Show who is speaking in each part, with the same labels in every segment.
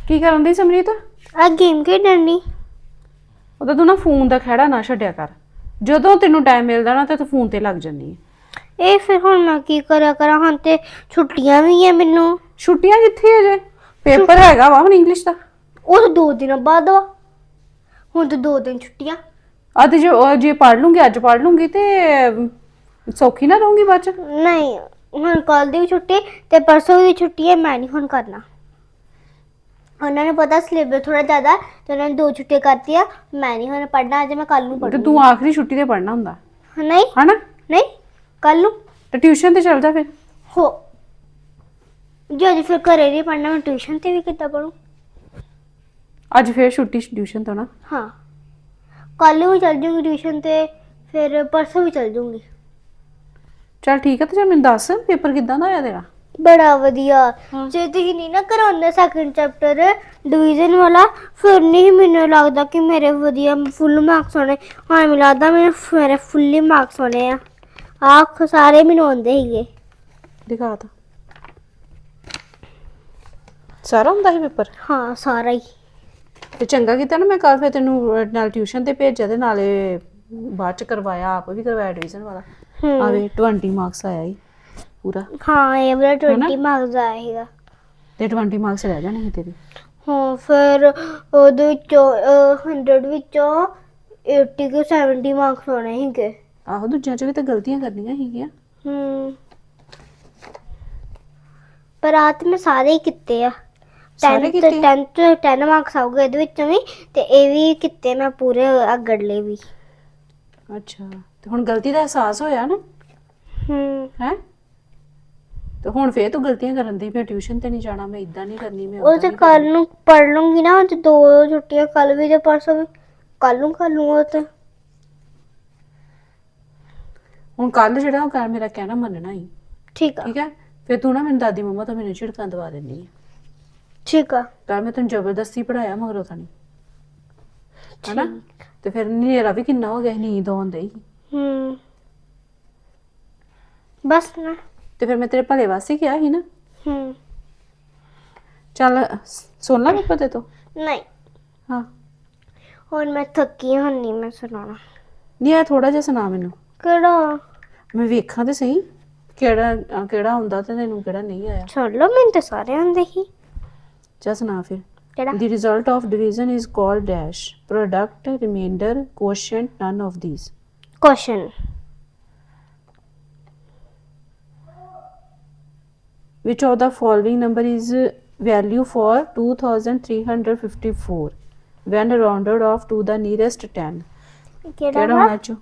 Speaker 1: ਕੀ ਕਰਨ ਦੀ ਸਮਰੀਤ?
Speaker 2: ਆ ਗੇਮ ਖੇਡਣ ਦੀ।
Speaker 1: ਉਹਦਾ ਤੂੰ ਨਾ ਫੋਨ ਦਾ ਖਹਿੜਾ ਨਾ ਛੱਡਿਆ ਕਰ। ਜਦੋਂ ਤੈਨੂੰ ਟਾਈਮ ਮਿਲਦਾ ਨਾ ਤੇ ਤੂੰ ਫੋਨ ਤੇ ਲੱਗ ਜਾਂਦੀ ਹੈ।
Speaker 2: ਇਹ ਫਿਰ ਹੁਣ ਮੈਂ ਕੀ ਕਰਾਂ ਹੁਣ ਤੇ ਛੁੱਟੀਆਂ ਵੀ ਆ ਮੈਨੂੰ।
Speaker 1: ਛੁੱਟੀਆਂ ਕਿੱਥੇ ਅਜੇ? ਪੇਪਰ ਹੈਗਾ ਵਾ ਹੁਣ ਇੰਗਲਿਸ਼ ਦਾ।
Speaker 2: ਉਹ ਤਾਂ 2 ਦਿਨਾਂ ਬਾਅਦ ਵਾ। ਹੁਣ ਤਾਂ 2 ਦਿਨ ਛੁੱਟੀਆਂ।
Speaker 1: ਤੇ ਜੇ ਪੜ੍ਹ ਲੂੰਗੀ, ਅੱਜ ਪੜ੍ਹ ਲੂੰਗੀ ਤੇ ਸੌਖੀ ਨਾ ਰਹੂੰਗੀ ਬਾਅਦ ਚ।
Speaker 2: ਨਹੀਂ, ਹੁਣ ਕੱਲ ਦੀ ਵੀ ਛੁੱਟੀ ਤੇ ਪਰਸੋਂ ਦੀ ਛੁੱਟੀ ਹੈ। ਮੈਂ ਨਹੀਂ ਹੁਣ ਕਰਨਾ। ਉਹਨਾਂ ਨੂੰ ਪਤਾ ਸਿਲੇਬਸ ਥੋੜਾ ਜ਼ਿਆਦਾ ਤੇ ਉਹਨਾਂ ਨੇ 2 ਛੁੱਟੀਆਂ ਕਰਤੀਆਂ। ਮੈਂ ਨਹੀਂ ਹੁਣ ਪੜ੍ਹਨਾ। ਅੱਜ ਮੈਂ ਕੱਲ ਨੂੰ
Speaker 1: ਤੇ
Speaker 2: ਪੜ੍ਹੂੰਗੀ।
Speaker 1: ਤੂੰ ਆਖਰੀ ਛੁੱਟੀ ਤੇ ਪੜ੍ਹਨਾ ਹੁੰਦਾ
Speaker 2: ਨਹੀਂ
Speaker 1: ਹਨਾ?
Speaker 2: ਨਹੀਂ, ਕੱਲ ਨੂੰ।
Speaker 1: ਤੇ ਟਿਊਸ਼ਨ ਤੇ ਚੱਲ ਜਾ ਫਿਰ।
Speaker 2: ਹੋ ਜੇ ਅੱਜ ਫਿਰ ਘਰੇ ਨਹੀਂ ਪੜ੍ਹਨਾ, ਮੈਂ ਟਿਊਸ਼ਨ ਤੇ ਵੀ ਕਿੱਦਾਂ ਪੜੂੰ?
Speaker 1: ਅੱਜ ਫੇਰ ਛੁੱਟੀ ਟਿਊਸ਼ਨ ਤੋਂ ਨਾ।
Speaker 2: ਹਾਂ, ਕੱਲ ਨੂੰ ਵੀ ਚੱਲ ਜੂੰਗੀ ਟਿਊਸ਼ਨ ਤੇ, ਫਿਰ ਪਰਸੋਂ ਵੀ ਚੱਲ ਜੂੰਗੀ।
Speaker 1: ਚੱਲ ਠੀਕ ਹੈ। ਤੇ ਜੇ ਮੈਨੂੰ ਦੱਸ ਪੇਪਰ ਕਿੱਦਾਂ ਦਾ ਹੋਇਆ ਤੇਰਾ?
Speaker 2: ਬੜਾ ਵਧੀਆ। ਜੇ ਤੁਸੀਂ ਨਹੀਂ ਨਾ ਕਰਾਉਂਦੇ ਸੈਕੰਡ ਚੈਪਟਰ ਡਿਵੀਜ਼ਨ ਵਾਲਾ, ਫਿਰ ਨਹੀਂ ਮੈਨੂੰ ਲੱਗਦਾ ਕਿ ਮੇਰੇ ਵਧੀਆ ਫੁੱਲ ਮਾਰਕਸ ਆਉਣੇ। ਹਾਂ, ਮੈਨੂੰ ਲੱਗਦਾ ਮੇਰੇ ਫੁੱਲੀ ਮਾਰਕਸ ਆਉਣੇ ਆ। ਆਖ ਸਾਰੇ ਮੈਨੂੰ ਆਉਂਦੇ ਸੀਗੇ।
Speaker 1: ਦਿਖਾ ਤਾ ਸਾਰਾ ਹੁੰਦਾ ਸੀ ਪੇਪਰ?
Speaker 2: ਹਾਂ, ਸਾਰਾ ਹੀ।
Speaker 1: ਤੇ ਚੰਗਾ ਕੀਤਾ ਨਾ ਮੈਂ ਕੱਲ ਫਿਰ ਤੈਨੂੰ ਨਾਲ ਟਿਊਸ਼ਨ ਤੇ ਭੇਜਿਆ ਤੇ ਨਾਲੇ ਬਾਅਦ ਚ ਕਰਵਾਇਆ, ਆਪ ਵੀ ਕਰਵਾਇਆ ਐਡਮਿਸ਼ਨ ਵਾਲਾ। ਆਵੇ 20 ਮਾਰਕਸ ਆਇਆ ਹੀ ਪੂਰਾ।
Speaker 2: ਹਾਂ, ਇਹ ਵਾਲਾ 20 ਮਾਰਕਸ ਆਇਆ ਸੀਗਾ
Speaker 1: ਤੇ 20 ਮਾਰਕਸ ਰਹਿ ਜਾਣੇ ਸੀ ਤੇਰੇ।
Speaker 2: ਹਾਂ, ਫਿਰ ਉਹਦੇ ਵਿੱਚੋਂ 100 ਵਿੱਚੋਂ 80 ਕੇ 70 ਮਾਰਕਸ ਆਉਣੇ ਸੀਗੇ।
Speaker 1: ਆਹੋ, ਦੂਜਿਆਂ ਚ ਵੀ ਤਾਂ ਗਲਤੀਆਂ ਕਰਨੀਆਂ ਸੀਗੀਆਂ।
Speaker 2: ਪਰ ਰਾਤ ਮੈਂ ਸਾਰੇ ਹੀ ਕੀਤੇ ਆ।
Speaker 1: ਸਾਰੇ ਕੀਤੇ?
Speaker 2: 10 ਮਾਰਕਸ ਆਉਗੇ ਇਹਦੇ ਵਿੱਚੋਂ ਵੀ, ਤੇ ਇਹ ਵੀ ਕੀਤੇ ਮੈਂ ਪੂਰੇ ਅਗੜਲੇ ਵੀ।
Speaker 1: ਅੱਛਾ, ਤੇ ਹੁਣ ਗਲਤੀ ਦਾ ਅਹਿਸਾਸ ਹੋਇਆ ਨਾ? ਹੈ ਤੇ ਹੁਣ ਫੇਰ ਤੂੰ ਗਲਤੀਆਂ ਕਰਨ ਦੀ। ਫਿਰ ਟਿਊਸ਼ਨ ਤੇ ਨਹੀਂ ਜਾਣਾ, ਮੈਂ ਇਦਾਂ ਨਹੀਂ ਕਰਨੀ, ਮੈਂ
Speaker 2: ਉਹ ਤੇ ਕੱਲ ਨੂੰ ਪੜ ਲੂੰਗੀ ਨਾ। ਤੇ 2 ਛੁੱਟੀਆਂ, ਕੱਲ ਵੀ ਤੇ ਪਰਸੋਂ ਵੀ। ਕੱਲ ਨੂੰ ਕਰ ਲੂੰਗਾ ਤੇ
Speaker 1: ਹੁਣ ਕੱਲ ਜਿਹੜਾ ਉਹ ਕਰ ਮੇਰਾ ਕਹਿਣਾ ਮੰਨਣਾ ਹੀ।
Speaker 2: ਠੀਕ ਆ।
Speaker 1: ਠੀਕ ਹੈ, ਫਿਰ ਤੂੰ ਨਾ ਮੈਨੂੰ ਦਾਦੀ ਮੰਮਾ ਤੋਂ ਮੈਨੂੰ ਝਿੜਕਾਂ ਦਵਾ ਦਿੰਦੀ ਹੈ।
Speaker 2: ਠੀਕ ਆ।
Speaker 1: ਤਾਂ ਮੈਂ ਤੈਨੂੰ ਜ਼ਬਰਦਸਤੀ ਪੜਾਇਆ ਮਗਰੋਂ ਤਾਂ ਨਹੀਂ, ਹਨਾ? ਤੇ ਫਿਰ ਹਨੇਰਾ ਵੀ ਕਿੰਨਾ ਹੋ ਗਿਆ, ਨੀਂਦ ਆਉਂਦੀ ਸੀ।
Speaker 2: ਬਸ ਨਾ।
Speaker 1: ਤੇ ਫਿਰ ਮੈਂ ਤੇਰੇ ਭਲੇ ਵਾਸਤੇ ਕਿਹਾ ਸੀ ਨਾ। ਚੱਲ ਸੁਣ ਲਾ ਪੇਪਰ ਤੇ ਤੋਂ।
Speaker 2: ਨਹੀਂ,
Speaker 1: ਹਾਂ,
Speaker 2: ਹੁਣ ਮੈਂ ਥੱਕੀ ਹੁਣ ਨਹੀਂ ਮੈਂ ਸੁਣਾਉਣਾ।
Speaker 1: ਨਹੀਂ, ਆ ਥੋੜਾ ਜਿਹਾ ਸੁਣਾ ਮੈਨੂੰ।
Speaker 2: ਕਿਹੜਾ?
Speaker 1: ਮੈਂ ਵੇਖਾਂ ਤੇ ਸਹੀ ਕਿਹੜਾ ਹੁੰਦਾ ਤੇ ਤੈਨੂੰ ਕਿਹੜਾ ਨਹੀਂ ਆਇਆ।
Speaker 2: ਛੱਡ ਲਓ, ਮੈਨੂੰ ਤਾਂ ਸਾਰੇ ਆਉਂਦੇ ਸੀ।
Speaker 1: ਚੱਲ ਸੁਣਾ ਫਿਰ।
Speaker 2: ਕਿਹੜਾ?
Speaker 1: The result of division is called dash. Product, remainder, quotient, none of these.
Speaker 2: Question.
Speaker 1: Which of the following number is value for 2354 when rounded off to the nearest 10?
Speaker 2: ਕਿਹੜਾ
Speaker 1: ਹੋਣਾ ਚੋ?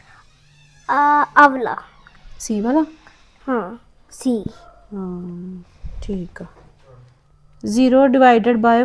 Speaker 2: ਅਵਲਾ।
Speaker 1: ਸੀ ਵਾਲਾ?
Speaker 2: ਹਾਂ, ਸੀ।
Speaker 1: ਹਾਂ, ਠੀਕ ਆ। 0 divided by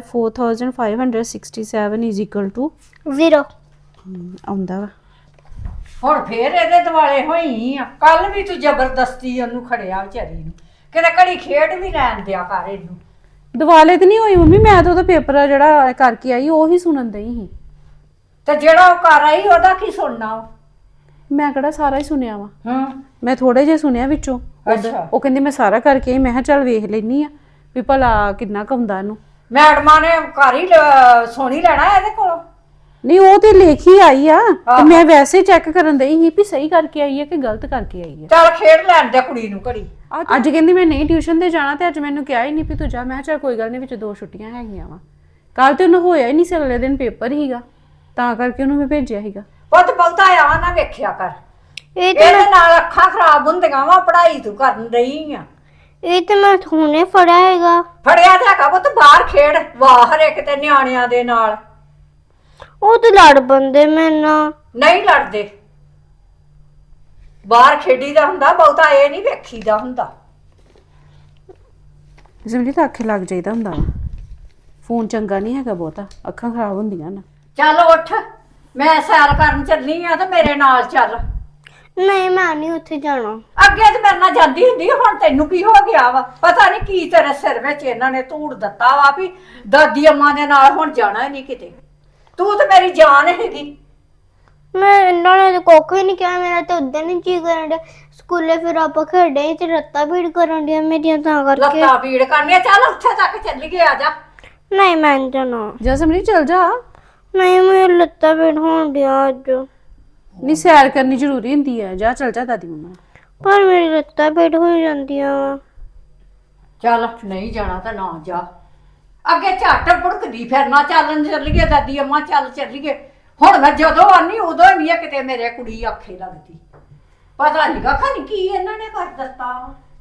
Speaker 1: 4567 is equal to
Speaker 2: 0।
Speaker 1: ਆਉਂਦਾ ਵਾ।
Speaker 3: ਹੁਣ ਫੇਰ ਇਹਦੇ ਦਿਵਾਲੇ ਹੋਈ ਆ। ਕੱਲ ਵੀ ਤੂੰ ਜ਼ਬਰਦਸਤੀ ਉਹਨੂੰ ਖੜਿਆ ਵਿਚਾਰੀ ਨੂੰ, ਕਿਤੇ ਘੜੀ ਖੇਡ ਵੀ ਲੈਣ ਦਿਆ ਕਰ ਇਹਨੂੰ।
Speaker 1: ਦਿਵਾਲੇ ਤੇ ਨਹੀਂ ਹੋਈ ਮੰਮੀ, ਮੈਂ ਤਾਂ ਉਹਦਾ ਪੇਪਰ ਜਿਹੜਾ ਕਰਕੇ ਆਈ ਉਹੀ ਸੁਣਨ ਦਈ ਸੀ।
Speaker 3: ਤੇ ਜਿਹੜਾ ਉਹ ਕਰ ਆਈ ਉਹਦਾ ਕੀ ਸੁਣਨਾ ਵਾ?
Speaker 1: ਮੈਂ ਕਿਹੜਾ ਸਾਰਾ ਹੀ ਸੁਣਿਆ ਵਾ।
Speaker 3: ਹਾਂ,
Speaker 1: ਮੈਂ ਥੋੜੇ ਜਿਹਾ ਸੁਣਿਆ ਵਿੱਚੋਂ।
Speaker 3: ਅੱਛਾ।
Speaker 1: ਉਹ ਕਹਿੰਦੀ ਮੈਂ ਸਾਰਾ ਕਰਕੇ ਆਈ। ਮੈਂ ਕਿਹਾ ਚੱਲ ਵੇਖ ਲੈਣੀ ਆ ਵੀ ਭਲਾ ਕਿੰਨਾ ਕਉਂਦਾ ਇਹਨੂੰ।
Speaker 3: ਮੈਡਮਾਂ ਨੇ ਘਰ ਹੀ ਸੁਣੀ ਲੈਣਾ ਇਹਦੇ ਕੋਲੋਂ।
Speaker 1: ਨਹੀਂ, ਉਹ ਤੇ ਲਿਖ ਹੀ ਆਈ ਆ। ਤੇ ਮੈਂ ਵੈਸੇ ਚੈੱਕ ਕਰਨ ਦਈ ਸੀ ਵੀ ਸਹੀ ਕਰਕੇ ਆਈ ਹੈ ਕਿ ਗਲਤ ਕਰਕੇ ਆਈ ਹੈ।
Speaker 3: ਚੱਲ ਖੇਡ ਲੈਣ ਦੇ ਕੁੜੀ ਨੂੰ ਘੜੀ।
Speaker 1: ਅੱਜ ਕਹਿੰਦੀ ਮੈਂ ਨਹੀਂ ਟਿਊਸ਼ਨ ਤੇ ਜਾਣਾ, ਤੇ ਅੱਜ ਮੈਨੂੰ ਕਿਹਾ ਹੀ ਨਹੀਂ ਵੀ ਤੂੰ ਜਾ। ਮੈਂ ਕਿਹਾ ਚੱਲ ਕੋਈ ਗੱਲ ਨਹੀਂ, ਵਿੱਚ 2 ਛੁੱਟੀਆਂ ਹੈਗੀਆਂ ਵਾ। ਕੱਲ ਤੇ ਉਹਨੂੰ ਹੋਇਆ ਹੀ ਨਹੀਂ ਸੀ, ਅਗਲੇ ਦਿਨ ਪੇਪਰ ਹੀਗਾ, ਤਾਂ ਕਰਕੇ ਉਹਨੂੰ ਮੈਂ ਭੇਜਿਆ ਸੀਗਾ।
Speaker 3: ਪੁੱਤ ਬਹੁਤਾ ਆ ਨਾ ਵੇਖਿਆ ਕਰ।
Speaker 2: ਇਹ
Speaker 3: ਇਹਦੇ ਨਾਲ ਅੱਖਾਂ ਖਰਾਬ ਹੁੰਦੀਆਂ ਵਾ। ਪੜ੍ਹਾਈ ਤੂੰ ਕਰਨ ਰਹੀ ਆ।
Speaker 2: ਤੇ ਮੈਂ ਹੁਣੇ ਫੜਿਆ ਹੈਗਾ।
Speaker 3: ਫੜਿਆ ਤੇ ਹੈਗਾ ਪੁੱਤ, ਬਾਹਰ ਖੇਡ ਬਾਹਰ ਇੱਕ ਤੇ ਨਿਆਣਿਆਂ ਦੇ ਨਾਲ।
Speaker 2: ਉਹ ਤੇ ਲੜ ਬੰਦੇ ਮੇਰੇ ਨਾਲ।
Speaker 3: ਨਹੀਂ ਲੜਦੇ, ਬਾਹਰ ਖੇਡੀਦਾ ਹੁੰਦਾ, ਬਹੁਤਾ ਇਹ ਨਹੀਂ ਵੇਖੀਦਾ ਹੁੰਦਾ।
Speaker 1: ਜਿਵੇਂ ਤਾਂ ਅੱਖੇ ਲੱਗ ਜਾਈਦਾ ਹੁੰਦਾ ਵਾ। ਫੋਨ ਚੰਗਾ ਨਹੀਂ ਹੈਗਾ ਬਹੁਤਾ, ਅੱਖਾਂ ਖਰਾਬ ਹੁੰਦੀਆਂ ਨਾ।
Speaker 3: ਚੱਲ ਉੱਠ, ਮੈਂ ਸੈਰ ਕਰਨ ਚੱਲੀ ਆ ਤੇ ਮੇਰੇ ਨਾਲ ਚੱਲ।
Speaker 2: ਨਹੀਂ, ਮੈਂ ਨਹੀਂ ਉੱਥੇ ਜਾਣਾ।
Speaker 3: ਅੱਗੇ ਤੇ ਮੇਰੇ ਨਾਲ ਜਾਂਦੀ ਹੁੰਦੀ, ਹੁਣ ਤੈਨੂੰ ਕੀ ਹੋ ਗਿਆ ਵਾ? ਪਤਾ ਨਹੀਂ ਕੀ ਤੇਰੇ ਸਿਰ ਵਿੱਚ ਇਹਨਾਂ ਨੇ ਧੂੜ ਦਿੱਤਾ ਵਾ ਵੀ ਦਾਦੀ ਅੰਮਾ ਦੇ ਨਾਲ ਹੁਣ ਜਾਣਾ ਹੀ ਨਹੀਂ ਕਿਤੇ। ਤੂੰ ਤੇ ਮੇਰੀ ਜਾਨ ਹੈਗੀ।
Speaker 2: ਮੈਂ ਇਹਨਾਂ ਨੇ ਤਾਂ ਕੁੱਖ ਵੀ ਨਹੀਂ ਕਿਹਾ। ਮੇਰਾ ਤਾਂ ਉਦਾਂ ਨਹੀਂ ਜੀ ਕਰਨ ਡਿਆ। ਸਕੂਲੇ ਫਿਰ ਆਪਾਂ ਖੇਡੇ ਤੇ ਲੱਤਾਂ ਭੀੜ ਕਰਨ ਡਿਆ ਮੇਰੀਆਂ, ਤਾਂ ਕਰਕੇ।
Speaker 3: ਲੱਤਾਂ ਪੀੜ ਕਰਨੀਆਂ। ਚੱਲ ਉੱਥੇ ਤੱਕ ਚੱਲੀਏ, ਆ ਜਾ।
Speaker 2: ਨਹੀਂ ਮੈਂ ਨੀ ਜਾਣਾ।
Speaker 1: ਜਾ ਸਮਰੀਤ ਚਲ ਜਾ।
Speaker 2: ਨਹੀਂ ਮੇਰੇ ਲੱਤਾਂ ਪੀੜ ਹੋਣ ਡਿਆ ਅੱਜ।
Speaker 1: ਨਹੀਂ ਸੈਰ ਕਰਨੀ ਜ਼ਰੂਰੀ ਹੁੰਦੀ ਹੈ, ਜਾ ਚਲ ਜਾ ਦਾਦੀ ਮੰਮਾ।
Speaker 2: ਪਰ ਮੇਰੀ ਲੱਤਾਂ ਪੀੜ ਹੋ ਜਾਂਦੀਆਂ ਵਾ।
Speaker 3: ਚੱਲ ਨਹੀਂ ਜਾਣਾ ਤਾਂ ਨਾ ਜਾ। ਅੱਗੇ ਝੱਟ ਭੁੜਕਦੀ ਫਿਰਨਾ, ਚੱਲਣ ਚੱਲੀਏ ਦਾਦੀ ਅੰਮਾ ਚੱਲ ਚੱਲੀਏ। ਹੁਣ ਮੈਂ ਜਦੋਂ ਆਨੀ ਉਦੋਂ ਹੀ ਨਹੀਂ ਕਿਤੇ ਮੇਰੇ ਕੁੜੀ ਆਖੇ ਲੱਗਦੀ। ਪਤਾ ਨਹੀਂ ਖਾਨੀ ਕੀ ਇਹਨਾਂ ਨੇ ਕਰ ਦਿੱਤਾ।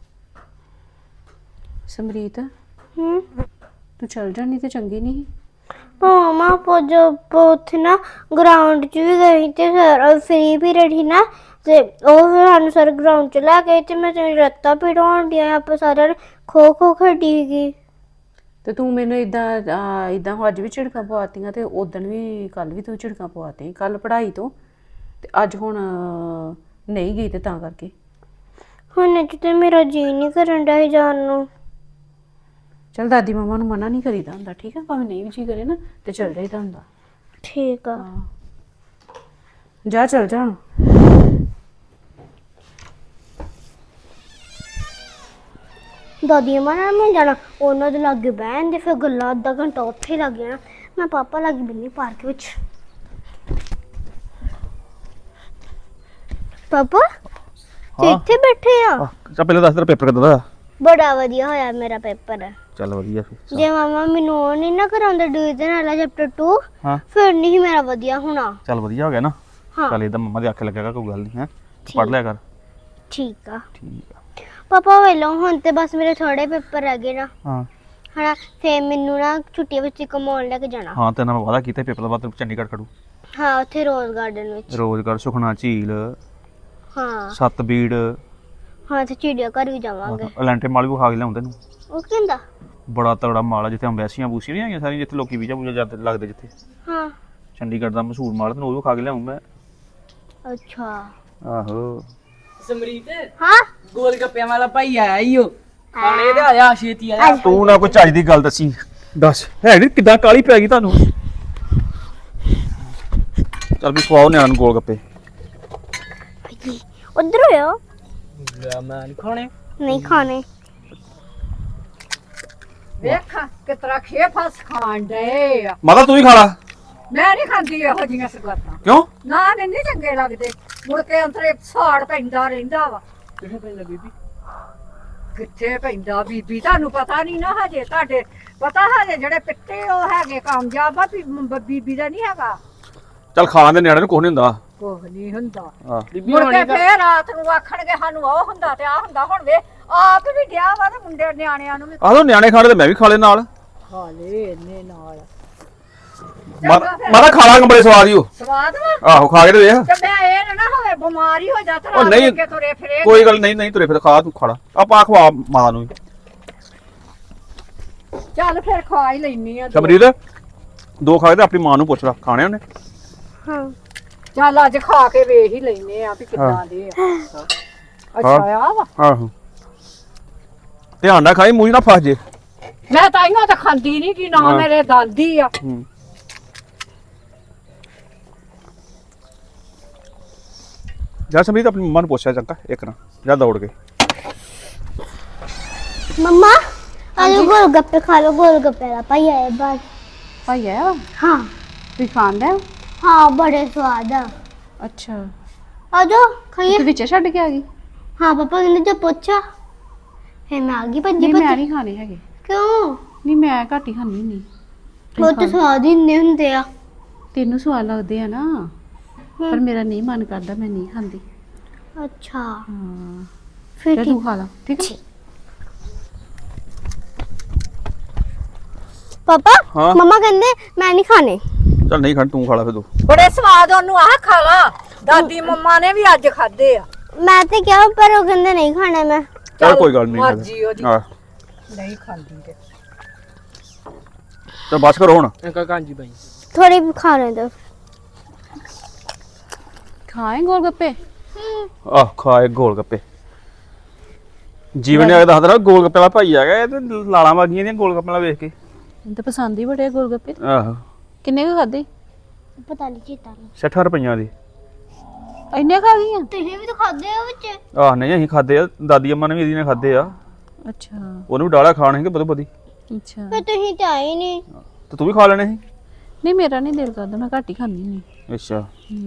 Speaker 1: ਸਮਰੀਤ
Speaker 2: ਹੂੰ
Speaker 1: ਤੂੰ ਚਲ ਜਾਣੀ ਤੇ ਚੰਗੀ ਨਹੀਂ।
Speaker 2: ਮਾਮਾ ਉੱਥੇ ਨਾ ਗਰਾਊਂਡ 'ਚ ਵੀ ਗਈ ਤੇ ਸਰ ਫ੍ਰੀ ਪੀਰੀਅਡ ਸੀ ਨਾ ਤੇ ਉਹ ਫਿਰ ਸਾਨੂੰ ਸਰ ਗਰਾਊਂਡ 'ਚ ਲੈ ਗਏ ਤੇ ਮੈਂ ਤੇਰੀ ਲੱਤਾਂ ਪੀੜ ਹੋਣ ਡਿਆ। ਆਪਾਂ ਸਾਰਿਆਂ ਨੇ ਖੋ ਖੋ ਖੇਡੀ ਸੀਗੀ।
Speaker 1: ਤੇ ਤੂੰ ਮੈਨੂੰ ਇਦਾਂ ਅੱਜ ਵੀ ਝਿੜਕਾਂ ਪਵਾਤੀਆਂ ਤੇ ਉਦੋਂ ਵੀ ਕੱਲ ਵੀ ਤੂੰ ਝਿੜਕਾਂ ਪਵਾਤੀਆਂ। ਕੱਲ ਪੜ੍ਹਾਈ ਤੋਂ ਤੇ ਅੱਜ ਹੁਣ ਨਹੀਂ ਗਈ ਤੇ ਤਾਂ ਕਰਕੇ।
Speaker 2: ਹੁਣ ਤੇ ਮੇਰਾ ਜੀ ਨਹੀਂ ਕਰਨ ਡਿਆ ਸੀ ਜਾਣ ਨੂੰ।
Speaker 1: ਚਲ ਦਾਦੀ ਮੰਮਾ ਨੂੰ ਮਨਾ ਨਹੀਂ ਕਰੀਦਾ ਹੁੰਦਾ, ਠੀਕ ਹੈ? ਭਾਵੇਂ ਨਹੀਂ ਵੀ ਜੀ ਕਰੇ ਨਾ ਤੇ ਚਲ ਜਾਈਦਾ ਹੁੰਦਾ।
Speaker 2: ਠੀਕ ਆ।
Speaker 1: ਜਾ ਚਲ ਜਾ ਹੁਣ।
Speaker 2: ਦਾਦੀ ਅੰਮਾ ਨਾਲ ਮੈਂ ਜਾਣਾ, ਉਹਨਾਂ ਦੇ ਲਾਗੇ ਬਹਿਣ ਦੇ ਫਿਰ ਗੱਲਾਂ ਅੱਧਾ ਘੰਟਾ ਉੱਥੇ ਲੱਗ ਜਾਣਾ। ਮੈਂ ਪਾਪਾ ਲਾਗੇ ਬਿੰਨੀ ਪਾਰਕ ਵਿੱਚ। ਪਾਪਾ ਤੁਸੀਂ ਇੱਥੇ ਬੈਠੇ ਆ?
Speaker 4: ਚੱਲ ਪਹਿਲਾਂ ਦੱਸ ਤੇਰਾ ਪੇਪਰ ਕਿੱਦਾਂ ਦਾ?
Speaker 2: ਬੜਾ ਵਧੀਆ ਹੋਇਆ ਮੇਰਾ ਪੇਪਰ।
Speaker 4: ਚੱਲ ਵਧੀਆ ਫਿਰ।
Speaker 2: ਜੇ ਮਾਮਾ ਮੈਨੂੰ ਉਹ ਨਹੀਂ ਨਾ ਕਰਾਉਂਦਾ ਡਿਵੀਜ਼ਨ ਵਾਲਾ ਚੈਪਟਰ 2
Speaker 4: ਹਾਂ
Speaker 2: ਫਿਰ ਨਹੀਂ ਮੇਰਾ ਵਧੀਆ ਹੋਣਾ।
Speaker 4: ਚੱਲ ਵਧੀਆ ਹੋ ਗਿਆ ਨਾ।
Speaker 2: ਹਾਂ
Speaker 4: ਚੱਲ ਇਹਦਾ ਮੰਮਾ ਦੇ ਆਖੇ ਲੱਗੇਗਾ, ਕੋਈ ਗੱਲ ਨਹੀਂ ਹੈ।
Speaker 2: ਠੀਕ।
Speaker 4: ਪੜ੍ਹ ਲਿਆ ਕਰ।
Speaker 2: ਠੀਕ ਆ
Speaker 4: ਠੀਕ ਆ।
Speaker 2: ਪਾਪਾ ਵੇਲੋ ਹੁਣ ਤੇ ਬਸ ਮੇਰੇ ਥੋੜੇ ਪੇਪਰ ਰਹਿ ਗਏ ਨਾ
Speaker 4: ਹਾਂ
Speaker 2: ਹਨਾ, ਫੇਰ ਮੈਨੂੰ ਨਾ ਛੁੱਟੀਆਂ ਵਿੱਚ ਘੁਮਾਉਣ ਲੈ ਕੇ ਜਾਣਾ।
Speaker 4: ਹਾਂ ਤੇ ਨਾਲ ਵਾਦਾ ਕੀਤਾ ਪੇਪਰ ਤੋਂ ਬਾਅਦ ਤੈਨੂੰ ਚੰਡੀਗੜ੍ਹ ਖੜੂ।
Speaker 2: ਹਾਂ ਉੱਥੇ ਰੋਜ਼ ਗਾਰਡਨ ਵਿੱਚ।
Speaker 4: ਰੋਜ਼ਗਾਰ, ਸੁਖਨਾ ਝੀਲ,
Speaker 2: ਹਾਂ
Speaker 4: ਸਤਬੀੜ,
Speaker 2: ਹਾਂ ਤੇ ਚਿੜੀਆ ਘਰ ਵੀ ਜਾਵਾਂਗੇ।
Speaker 4: ਅਲੈਂਟੇ ਮਾਲ ਵੀ ਖਾ ਕੇ ਲਿਆਉਂਦੇ ਨੂੰ।
Speaker 2: ਉਹ ਕਹਿੰਦਾ
Speaker 4: ਬੜਾ ਤਗੜਾ ਮਾਲ ਆ ਜਿੱਥੇ ਅੰਬੈਸੀਆਂ ਬੂਸੀਆਂ ਨਹੀਂ ਹੈਗੀਆਂ ਸਾਰੀਆਂ, ਜਿੱਥੇ ਲੋਕੀ ਵੀਜ਼ਾ ਵੂਜ਼ਾ ਜਾਂਦੇ ਲੱਗਦੇ ਜਿੱਥੇ।
Speaker 2: ਹਾਂ
Speaker 4: ਚੰਡੀਗੜ੍ਹ ਦਾ ਮਸ਼ਹੂਰ ਮਾਲ, ਤੈਨੂੰ ਉਹ ਵੀ ਖਾ ਕੇ ਲਿਆਉਂ ਮੈਂ।
Speaker 2: ਅੱਛਾ
Speaker 4: ਆਹੋ
Speaker 5: ਸਮਰੀਤ
Speaker 2: ਹਾਂ
Speaker 5: ਗੋਲ ਗੱਪਿਆਂ ਵਾਲਾ ਭਾਈ ਆਇਆ ਈ ਓ ਖਾਣੇ ਤੇ ਆਇਆ ਛੇਤੀ ਆਇਆ।
Speaker 4: ਤੂੰ ਨਾ ਕੋਈ ਚੱਜ ਦੀ ਗੱਲ ਦੱਸੀ। ਦੱਸ ਹੈ ਨੀ ਕਿੱਦਾਂ ਕਾਲੀ ਪੈ ਗਈ ਤੁਹਾਨੂੰ? ਚੱਲ ਵੀ ਖਵਾਓ ਨਿਆਣ ਨੂੰ ਗੋਲ ਗੱਪੇ।
Speaker 2: ਉਧਰ ਹੋਇਆ
Speaker 5: ਲੈ ਮੈਂ ਨਹੀਂ ਖਾਣੇ।
Speaker 2: ਨਹੀਂ ਖਾਣੇ।
Speaker 3: ਵੇਖ ਕਿਤਰਾ ਖੇ ਫਸ ਖਾਣ ਡਏ ਆ।
Speaker 4: ਮਾਤਾ ਤੂੰ ਹੀ ਖਾ ਲਾ।
Speaker 3: ਮੈਂ ਨਹੀਂ ਖਾਂਦੀ ਇਹੋ ਜਿਹੀਆਂ ਸਗਾਤਾਂ।
Speaker 4: ਕਿਉਂ?
Speaker 3: ਨਾ ਮੈਨੂੰ ਨੀ ਚੰਗੇ ਲੱਗਦੇ। ਮੁੜ ਕੇ ਅੰਤਰੇ ਸਾੜ ਪੈਂਦਾ ਰਹਿੰਦਾ ਵਾ।
Speaker 5: ਕਿੱਥੇ ਪੈਂਦਾ ਬੀਬੀ?
Speaker 3: ਕਿੱਥੇ ਪੈਂਦਾ ਬੀਬੀ? ਤੁਹਾਨੂੰ ਪਤਾ ਨਹੀਂ ਨਾ ਹਜੇ। ਤੁਹਾਡੇ ਪਤਾ ਹਜੇ ਜਿਹੜੇ ਪਿੱਤੇ ਉਹ ਹੈਗੇ ਕਾਮਯਾਬ ਆ ਵੀ ਬੀਬੀ ਦਾ ਨਹੀਂ ਹੈਗਾ।
Speaker 4: ਚੱਲ ਖਾ ਲੈਂਦੇ ਨਿਆਣੇ ਨੂੰ, ਕੁਛ ਨਹੀਂ ਹੁੰਦਾ।
Speaker 3: ਕੁਝ ਨਹੀਂ ਹੁੰਦਾ।
Speaker 4: ਹਾਂ
Speaker 5: ਬੀਬੀ
Speaker 3: ਮੁੜ
Speaker 5: ਹੋਣੀ
Speaker 3: ਕੇ ਫੇਰ ਰਾਤ ਨੂੰ ਆਖਣਗੇ ਸਾਨੂੰ ਉਹ ਹੁੰਦਾ ਤੇ ਆ ਹੁੰਦਾ। ਹੁਣ ਵੇ ਆਪ ਵੀ ਡਿਆ ਵਾ ਤੇ ਮੁੰਡੇ ਨਿਆਣਿਆਂ ਨੂੰ ਵੀ
Speaker 4: ਆਹੋ ਨਿਆਣੇ ਖਾਣੇ ਤੇ ਮੈਂ ਵੀ ਖਾ ਲੈ ਨਾਲ।
Speaker 3: ਖਾ ਲੇ ਇੰਨੇ ਨਾਲ।
Speaker 4: ਮਾਤਾ ਖਾ ਲਾਂਗੇ, ਬੜੇ ਸਵਾਦ ਹੀ ਉਹ।
Speaker 3: ਸਵਾਦ ਵਾ।
Speaker 4: ਆਹੋ ਖਾ ਕੇ ਤੇ ਵੇਖ।
Speaker 3: ਤੇ ਮੈਂ ਇਹ ਨਾ ਹੋਵੇ ਬਿਮਾਰੀ ਹੋ ਜਾ ਤੇ
Speaker 4: ਉਹ
Speaker 3: ਰਾਤ
Speaker 4: ਨਹੀਂ,
Speaker 3: ਨੂੰ ਕੇ ਤੁਰੇ ਫਿਰੇ।
Speaker 4: ਕੋਈ ਗੱਲ ਨਹੀਂ ਤੁਰੇ ਫਿਰ ਖਾ, ਤੂੰ ਖਾ ਲਾ। ਆਪਾਂ ਖਵਾ ਮਾਂ ਨੂੰ।
Speaker 3: ਚੱਲ ਫਿਰ ਖਾ ਹੀ ਲੈਣੀ ਆ।
Speaker 4: ਸਮਰੀਤ ਦੋ ਖਾ ਕੇ ਤੇ ਆਪਣੀ ਮਾਂ ਨੂੰ ਪੁੱਛ ਲਾ, ਖਾਣੇ ਉਹਨੇ।
Speaker 2: ਹਾਂ
Speaker 3: ਚੱਲ ਅੱਜ ਖਾ ਕੇ ਵੇਖ ਹੀ ਲੈਨੇ ਆ ਵੀ ਕਿੱਦਾਂ ਦੇ ਆ। ਅੱਛਾ ਆ ਵਾ।
Speaker 4: ਆਹੋ ਧਿਆਨ ਨਾਲ ਖਾਈ, ਮੂੰਹ ਨਾ ਫਸ ਜੇ।
Speaker 3: ਮੈਂ ਤਾਂ ਇਹਨਾਂ ਤਾਂ ਖਾਂਦੀ ਨਹੀਂ ਕਿ ਨਾ
Speaker 4: ਹਾਂ।
Speaker 3: ਮੇਰੇ ਦਾਦੀ ਆ।
Speaker 4: ਹੂੰ ਜਾ ਸਮਰੀਤ ਆਪਣੀ ਮੰਮਾ ਨੂੰ ਪੁੱਛਿਆ ਚੰਗਾ ਇੱਕ ਨਾ, ਜਾ ਦੌੜ ਕੇ।
Speaker 2: ਮੰਮਾ ਆਲੂ ਗੋਲ ਗੱਪੇ ਖਾ ਲੋ। ਗੋਲ ਗੱਪੇ ਦਾ ਭਾਈ ਆਇਆ ਬਾਹਰ।
Speaker 1: ਭਾਈ ਆਇਆ ਵਾ?
Speaker 2: ਹਾਂ
Speaker 1: ਤੁਸੀਂ ਖਾਂਦਾ?
Speaker 2: ਹਾਂ ਬੜੇ ਸਵਾਦ ਆ।
Speaker 1: ਅੱਛਾ
Speaker 2: ਆ ਜਾਓ ਖਾਈਏ।
Speaker 1: ਤੂੰ ਵਿੱਚ ਛੱਡ ਕੇ ਆ ਗਈ?
Speaker 2: ਹਾਂ ਪਾਪਾ ਕਹਿੰਦੇ ਜੇ ਪੁੱਛਾ ਫੇ ਮੈਂ ਆ ਗਈ ਭੱਜੀ
Speaker 1: ਨਹੀਂ ਮੈਂ
Speaker 2: ਭੱਜੀ।
Speaker 1: ਨਹੀਂ ਖਾਣੇ ਹੈਗੇ।
Speaker 2: ਕਿਉਂ?
Speaker 1: ਨਹੀਂ ਮੈਂ ਘੱਟ ਹੀ ਖਾਂਦੀ ਨਹੀਂ।
Speaker 2: ਉਹ ਤਾਂ ਸਵਾਦ ਹੀ ਇੰਨੇ ਹੁੰਦੇ ਆ।
Speaker 1: ਤੈਨੂੰ ਸਵਾਦ ਲੱਗਦੇ ਆ ਨਾ, ਪਰ ਮੇਰਾ ਨਹੀਂ ਮਨ ਕਰਦਾ, ਮੈਂ ਨਹੀਂ ਖਾਂਦੀ।
Speaker 2: ਅੱਛਾ
Speaker 1: ਹਾਂ
Speaker 2: ਫਿਰ
Speaker 1: ਤੇ ਤੂੰ ਖਾ ਲਾ, ਠੀਕ ਹੈ?
Speaker 2: ਪਾਪਾ
Speaker 4: ਹਾਂ?
Speaker 2: ਮਮਾ ਕਹਿੰਦੇ ਮੈਂ ਨਹੀਂ ਖਾਣੇ।
Speaker 4: ਚੱਲ ਨਹੀਂ ਖਾਣ, ਤੂੰ ਖਾ ਲਾ ਫਿਰ ਤੂੰ।
Speaker 3: ਬੜੇ ਸਵਾਦ ਉਹਨੂੰ ਆਹ ਖਾ ਲਾ। ਦਾਦੀ ਮੰਮਾ ਨੇ ਵੀ ਅੱਜ ਖਾਦੇ ਆ।
Speaker 2: ਮੈਂ ਤੇ ਕਿਹਾ ਪਰ ਉਹ ਕਹਿੰਦੇ ਨਹੀਂ ਖਾਣੇ ਮੈਂ।
Speaker 4: ਚੱਲ ਕੋਈ ਗੱਲ ਨਹੀਂ।
Speaker 3: ਮਰਜ਼ੀ ਉਹਦੀ।
Speaker 4: ਹਾਂ
Speaker 3: ਨਹੀਂ ਖਾਂਦੀ ਤੇ
Speaker 4: ਚੱਲ ਬਸ ਕਰੋ ਹੁਣ।
Speaker 5: ਅੰਕਲ ਕਾਂਜੀ ਬਾਈ
Speaker 2: ਥੋੜੇ ਵੀ ਖਾ ਲੈਂਦੇ।
Speaker 1: ਖਾਏ ਗੋਲ ਗੱਪੇ?
Speaker 4: ਆਹ ਖਾਏ ਗੋਲ ਗੱਪੇ। ਜੀਵਨ ਨੇ ਆ ਕੇ ਦੱਸਦਾ ਗੋਲ ਗੱਪੇ ਵਾਲਾ ਭਾਈ ਆ ਗਿਆ, ਇਹ ਤੇ ਲਾਲਾਂ ਵਾਗੀਆਂ ਦੀਆਂ ਗੋਲ ਗੱਪੇ ਵਾਲਾ ਵੇਖ ਕੇ।
Speaker 1: ਮੈਨੂੰ ਤਾਂ ਪਸੰਦ ਹੀ ਬੜੇ ਆ ਗੋਲ ਗੱਪੇ।
Speaker 4: ਆਹੋ
Speaker 1: ਕਿੰਨੇ ਕੁ ਖਾਦੇ?
Speaker 2: ਪਤਾ ਨਹੀਂ ਚੇਤਾ ਨਹੀਂ।
Speaker 4: 60 ਰੁਪਈਆਂ ਦੀ।
Speaker 1: ਇੰਨੇ ਖਾ ਗਈਆਂ?
Speaker 2: ਤੁਸੀਂ ਵੀ ਤਾਂ ਖਾਦੇ ਹੋ ਵਿੱਚ।
Speaker 4: ਆਹ ਨਹੀਂ ਅਸੀਂ ਖਾਦੇ ਆ, ਦਾਦੀ ਅੰਮਾ ਨੇ ਵੀ ਇਹਦੀ ਨੇ ਖਾਦੇ ਆ।
Speaker 1: ਅੱਛਾ
Speaker 4: ਉਹਨੂੰ ਵੀ ਡਾਲਾ ਖਾਣ ਹੈਗੇ ਬਦੋ ਬਦੀ।
Speaker 1: ਅੱਛਾ
Speaker 2: ਪਰ ਤੁਸੀਂ ਤੇ ਆਏ ਨਹੀਂ।
Speaker 4: ਤੇ ਤੂੰ ਵੀ ਖਾ ਲੈਣੇ ਸੀ।
Speaker 1: ਨਹੀਂ ਮੇਰਾ ਨਹੀਂ ਦਿਲ ਕਰਦਾ, ਮੈਂ ਘੱਟ ਹੀ ਖਾਂਦੀ ਨਹੀਂ।
Speaker 4: ਅੱਛਾ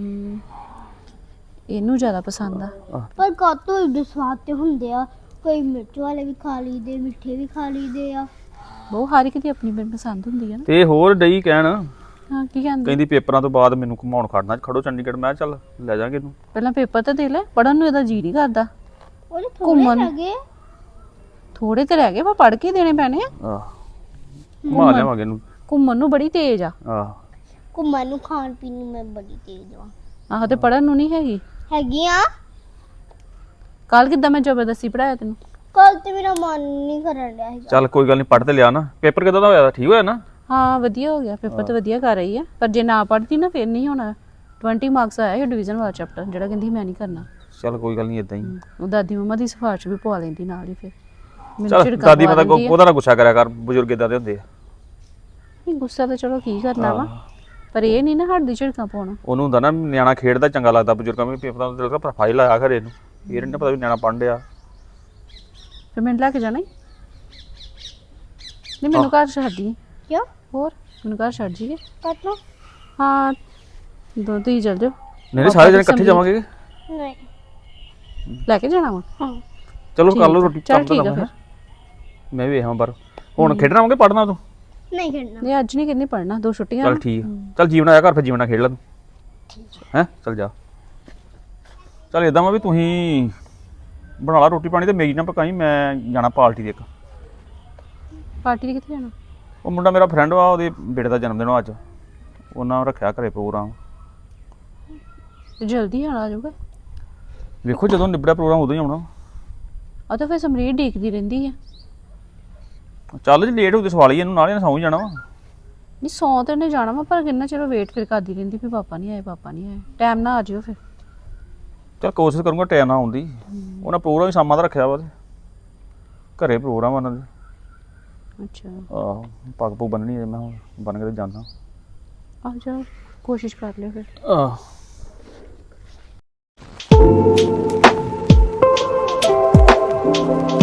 Speaker 1: ਇਹਨੂੰ ਜ਼ਿਆਦਾ ਪਸੰਦ ਆ।
Speaker 2: ਪਰ ਕਾਤੋਂ ਏਡੇ ਸਵਾਦ ਤੇ ਹੁੰਦੇ ਆ, ਕੋਈ ਮਿਰਚ ਵਾਲੇ ਵੀ ਖਾ ਲਈਦੇ, ਮਿੱਠੇ ਵੀ ਖਾ ਲਈਦੇ ਆ।
Speaker 1: ਉਹ ਹਰ ਇੱਕ ਦੀ ਆਪਣੀ ਆਪਣੀ ਪਸੰਦ ਹੁੰਦੀ ਹੈ ਨਾ।
Speaker 4: ਤੇ ਹੋਰ ਡਈ ਕਹਿਣ,
Speaker 1: ਹਾਂ ਕੀ ਕਹਿੰਦੇ?
Speaker 4: ਕਹਿੰਦੀ ਪੇਪਰਾਂ ਤੋਂ ਬਾਅਦ ਮੈਨੂੰ ਘੁਮਾਉਣ ਖੜਨਾ ਖੜੋ ਚੰਡੀਗੜ੍ਹ। ਮੈਂ ਕਿਹਾ ਚੱਲ ਲੈ ਜਾਾਂਗੇ ਇਹਨੂੰ।
Speaker 1: ਪਹਿਲਾਂ ਪੇਪਰ ਤਾਂ ਦੇ ਲੈ, ਪੜਨ ਨੂੰ ਇਹਦਾ ਜੀ ਨਹੀਂ ਕਰਦਾ।
Speaker 2: ਉਹਦੇ ਥੋੜੇ
Speaker 1: ਘੁੰਮਣ।
Speaker 2: ਲੱਗੇ।
Speaker 1: ਥੋੜੇ ਤੇ ਰਹਿ ਗਏ, ਪਰ ਪੜ ਕੇ ਦੇਣੇ ਪੈਣੇ ਆ।
Speaker 4: ਆਹ ਘੁਮਾ ਲਿਆਵਾਂਗੇ ਇਹਨੂੰ।
Speaker 1: ਘੁੰਮਣ ਨੂੰ ਬੜੀ ਤੇਜ਼ ਆ।
Speaker 4: ਆਹ
Speaker 2: ਘੁੰਮਣ ਨੂੰ, ਖਾਣ ਪੀਣ ਨੂੰ ਮੈਂ ਬੜੀ ਤੇਜ਼ ਆ।
Speaker 1: ਆਹੋ ਤੇ ਪੜਨ ਨੂੰ ਨਹੀਂ ਹੈਗੀ।
Speaker 2: ਹੈਗੀ ਆ।
Speaker 1: ਕੱਲ ਕਿੱਦਾਂ ਮੈਂ ਜ਼ਬਰਦਸਤੀ ਪੜਾਇਆ ਤੈਨੂੰ?
Speaker 2: ਕੱਲ ਤੇ ਮੇਰਾ ਮਨ ਨਹੀਂ ਕਰਨ ਡਿਆ ਸੀਗਾ।
Speaker 4: ਚੱਲ ਕੋਈ ਗੱਲ ਨਹੀਂ, ਪੜ੍ਹ ਤੇ ਲਿਆ ਨਾ। ਪੇਪਰ ਕਿਦਾਂ ਦਾ ਹੋਇਆ? ਠੀਕ ਹੋਇਆ ਨਾ?
Speaker 1: ਹਾਂ ਵਧੀਆ ਹੋ ਗਿਆ ਪੇਪਰ, ਤਾਂ ਵਧੀਆ ਕਰ ਰਹੀ ਆ। ਪਰ ਜੇ ਨਾ ਪੜਦੀ ਨਾ ਫਿਰ ਨਹੀਂ ਹੋਣਾ। 20 ਮਾਰਕਸ ਆਇਆ ਇਹ ਡਿਵੀਜ਼ਨ ਵਾਲਾ ਚੈਪਟਰ, ਜਿਹੜਾ ਕਹਿੰਦੀ ਮੈਂ ਨਹੀਂ ਕਰਨਾ।
Speaker 4: ਚੱਲ ਕੋਈ ਗੱਲ ਨਹੀਂ, ਇਦਾਂ ਹੀ।
Speaker 1: ਉਹ ਦਾਦੀ ਮੰਮਾ ਦੀ ਸਿਫਾਰਿਸ਼ ਵੀ ਪਵਾ ਲੈਂਦੀ ਨਾਲ ਹੀ। ਫਿਰ ਮੈਨੂੰ
Speaker 4: ਚੱਲ
Speaker 1: ਝਿੜਕਾਂ
Speaker 4: ਦਾਦੀ
Speaker 1: ਪਵਾ
Speaker 4: ਮਾਤਾ
Speaker 1: ਦਿੰਦੀ ਆ।
Speaker 4: ਉਹਦਾ ਨਾ ਗੁੱਸਾ ਕਰਿਆ ਕਰ, ਬਜ਼ੁਰਗ ਇਦਾਂ ਦੇ ਹੁੰਦੇ ਆ।
Speaker 1: ਨਹੀਂ ਗੁੱਸਾ ਤਾਂ ਚਲੋ ਕੀ ਕਰਨਾ ਵਾ, ਪਰ ਇਹ ਨਹੀਂ ਨਾ ਹੱਡੀ ਝਿੜਕਾਂ ਪਾਉਣਾ।
Speaker 4: ਉਹਨੂੰ ਹੁੰਦਾ ਨਾ ਨਿਆਣਾ ਖੇਡਦਾ ਚੰਗਾ ਲੱਗਦਾ, ਬਜ਼ੁਰਗਾਂ ਨੂੰ ਪੇਪਰਾਂ ਦਾ ਦਿਲ ਕਰ ਫਾਈਲ ਆਇਆ ਘਰੇ ਨੂੰ। ਇਹ ਨਹੀਂ ਪਤਾ ਵੀ ਨਿਆਣਾ ਪੜ੍ਹਨ ਡਿਆ।
Speaker 1: ਫਿਰ ਮੈਨੂੰ ਲੈ ਕੇ ਜਾਣਾ ਹੀ ਨਹੀਂ, ਮੈਨੂੰ ਘਰ ਛੱਡੀ।
Speaker 2: ਕਿਉਂ?
Speaker 1: ਹੋਰ ਮੈਨੂੰ ਘਰ ਛੱਡ ਜੀਏ।
Speaker 2: ਕਾਤੋਂ?
Speaker 1: ਹਾਂ ਦੋ ਤੁਸੀਂ ਚੱਲ ਜਾਓ।
Speaker 4: ਨਹੀਂ ਸਾਰੇ ਜਣੇ ਇਕੱਠੇ ਜਾਵਾਂਗੇ।
Speaker 2: ਨਹੀਂ।
Speaker 1: ਲੈ ਕੇ ਜਾਣਾ ਵਾ?
Speaker 2: ਹਾਂ।
Speaker 4: ਚਲੋ ਕਰ ਲਓ ਰੋਟੀ।
Speaker 1: ਚੱਲ ਠੀਕ ਆ ਫਿਰ।
Speaker 4: ਮੈਂ ਵੀ ਵੇਖਾਂ ਬਾਹਰ। ਹੁਣ ਖੇਡਣਾ ਆਉਂਗੇ, ਪੜ੍ਹਨਾ ਤੂੰ?
Speaker 2: ਨਹੀਂ ਖੇਡਣਾ।
Speaker 1: ਨਹੀਂ ਅੱਜ ਨਹੀਂ ਕਿੰਨੀ ਪੜਨਾ, 2 ਛੁੱਟੀਆਂ
Speaker 4: ਚੱਲ
Speaker 1: ਨਾ।
Speaker 4: ਠੀਕ ਆ। ਚੱਲ ਜੀਵਨ ਆਇਆ ਘਰ, ਫਿਰ ਜੀਵਨ ਨਾਲ ਖੇਡ ਲੈ ਤੂੰ। ਹੈਂ ਚੱਲ ਜਾ। ਚੱਲ ਇਦਾਂ ਵਾ ਵੀ ਤੁਸੀਂ ਬਣਾ ਲਾ ਰੋਟੀ ਪਾਣੀ ਤੇ ਮੇਰੀ ਨਾ ਪਕਾਈ। ਮੈਂ ਜਾਣਾ ਪਾਰਟੀ ਦੇ ਇੱਕ।
Speaker 1: ਪਾਰਟੀ ਦੇ ਕਿੱਥੇ ਜਾਣਾ?
Speaker 4: ਉਹ ਮੁੰਡਾ ਮੇਰਾ ਫਰੈਂਡ ਵਾ, ਉਹਦੇ ਬੇਟੇ ਦਾ ਜਨਮ ਦਿਨ ਆ ਅੱਜ। ਉਹਨਾਂ ਰੱਖਿਆ ਘਰੇ ਪ੍ਰੋਗਰਾਮ।
Speaker 1: ਤੇ ਜਲਦੀ ਆਣਾ ਜਾਊਗਾ।
Speaker 4: ਵੇਖੋ ਜਦੋਂ ਨਿਬੜਿਆ ਪ੍ਰੋਗਰਾਮ ਉਦੋਂ ਹੀ ਆਉਣਾ।
Speaker 1: ਆ ਤਾਂ ਫਿਰ ਸਮਰੀਤ ਡੀਕਦੀ ਰਹਿੰਦੀ ਆ।
Speaker 4: ਚੱਲ ਜੇ ਲੇਟ ਹੋ ਤੇ ਸਵਾਲ ਹੀ ਇਹਨੂੰ, ਨਾਲੇ ਸੌਂ ਹੀ ਜਾਣਾ ਵਾ।
Speaker 1: ਨਹੀਂ ਸੌ ਤੇ ਉਹਨੇ ਜਾਣਾ ਵਾ, ਪਰ ਕਿੰਨਾ ਚਿਰ ਵੇਟ ਫਿਰ ਕਰਦੀ ਰਹਿੰਦੀ ਵੀ ਪਾਪਾ ਨਹੀਂ ਆਏ, ਪਾਪਾ ਨਹੀਂ ਆਏ। ਟਾਈਮ ਨਾ ਆ ਜਿਓ ਫਿਰ।
Speaker 4: ਚੱਲ ਕੋਸ਼ਿਸ਼ ਕਰੂੰਗਾ ਟਾਈਮ ਨਾਲ ਆਉਂਦੀ। ਉਹਨਾਂ ਪ੍ਰੋਗਰਾਮ ਹੀ ਸ਼ਾਮਾਂ ਦਾ ਰੱਖਿਆ ਵਾ ਤੇ ਘਰੇ ਪ੍ਰੋਗਰਾਮ ਉਹਨਾਂ ਦੇ।
Speaker 1: ਅੱਛਾ
Speaker 4: ਆਹੋ ਪੱਗ ਪੁੱਗ ਬੰਨਣੀ ਹੈ, ਮੈਂ ਹੁਣ ਬੰਨ ਕੇ ਤੇ ਜਾਂਦਾ।
Speaker 1: ਆ ਜਾਓ, ਕੋਸ਼ਿਸ਼ ਕਰ ਲਿਓ ਫਿਰ।
Speaker 4: ਆਹ